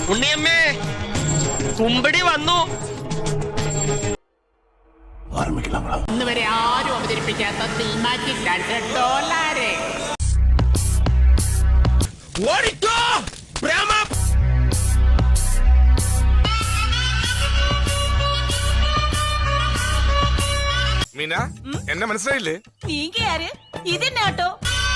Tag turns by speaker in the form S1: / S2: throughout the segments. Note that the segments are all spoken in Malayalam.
S1: ഉണ്ണിയമ്മേ, കുമ്പടി വന്നു.
S2: ഇന്ന് വരെ ആരും അവതരിപ്പിക്കാത്ത സിനിമാറ്റിക് ഡാൻസ് ഡോലാരെ.
S1: ഓടിക്കോ പ്രേമ.
S3: മീന, എന്നെ മനസ്സിലായില്ലേ?
S4: നീങ്ക ആര്? ഇതെന്നാട്ടോ?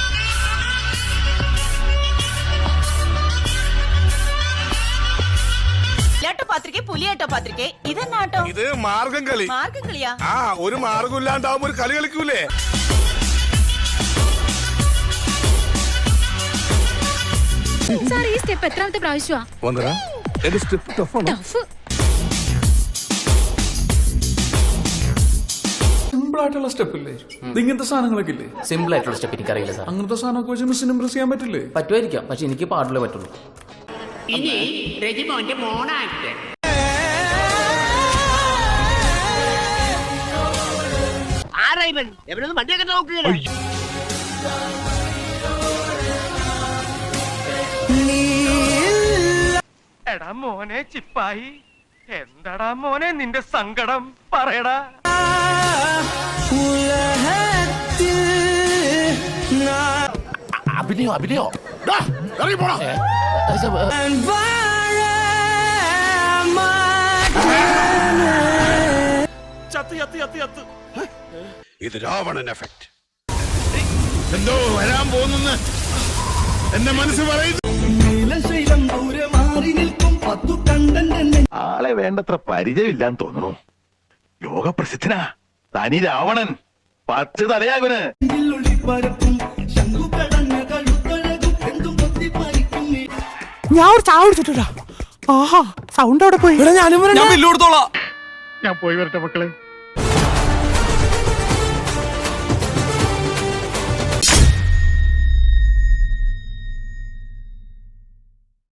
S4: പാത്രികെ പുലിയാട്ടോ പാത്രികെ, ഇതെന്നാട്ടോ?
S3: ഇത് മാർഗം കളി.
S4: മാർഗം കളിയാ?
S3: ആ, ഒരു മാർഗം ഇല്ലാണ്ടാവുമ്പോ ഒരു കളി കളിക്കൂലേ?
S5: സാർ, ഈ സ്റ്റെപ്പ് എത്രാമത്തെ പ്രാവശ്യമാ?
S6: സിമ്പിൾ ആയിട്ടുള്ള സ്റ്റെപ്പ് ഇല്ലേ? ഇങ്ങനത്തെ സാധനങ്ങളൊക്കെ ഇല്ലേ?
S7: സിമ്പിൾ ആയിട്ടുള്ള സ്റ്റെപ്പ് എനിക്കറിയില്ല സാർ.
S6: അങ്ങനത്തെ സാധനമൊക്കെ വെച്ച് മിസ്സിന് ഇംപ്രസ് ചെയ്യാൻ പറ്റില്ലേ?
S7: പറ്റുമായിരിക്കാം, പക്ഷെ എനിക്ക് പാടില്ലേ പറ്റുള്ളൂ.
S2: ഇനി രജിമോന്റെ മോണാക്ട്.
S1: ആരാ ഇവൻ? എവരൊന്നും വണ്ടിയൊക്കെ നോക്കുകയാണ്. എടാ മോനെ ചിപ്പായി, എന്താടാ മോനെ നിന്റെ സങ്കടം പറയടാ.
S7: അഭിനയോ അഭിനയോ
S3: ഇത് രാവണൻ എഫക്ട്. എന്തോ വരാൻ പോകുന്നെന്ന് എന്റെ മനസ്സ് പറയുന്നു.
S8: ആളെ വേണ്ടത്ര പരിചയമില്ലാന്ന് തോന്നുന്നു. ലോകപ്രസിദ്ധനാ തനി രാവണൻ. 10 തലയാകുന്.
S9: ഞാൻ ഒരു ചായ കുടിച്ചിട്ടാ. ആഹാ, സൗണ്ട് അവിടെ പോയി.
S6: ഞാൻ ബില്ല് കൊടുത്തോളാം.
S8: ഞാൻ പോയി വരട്ടെ മക്കളെ.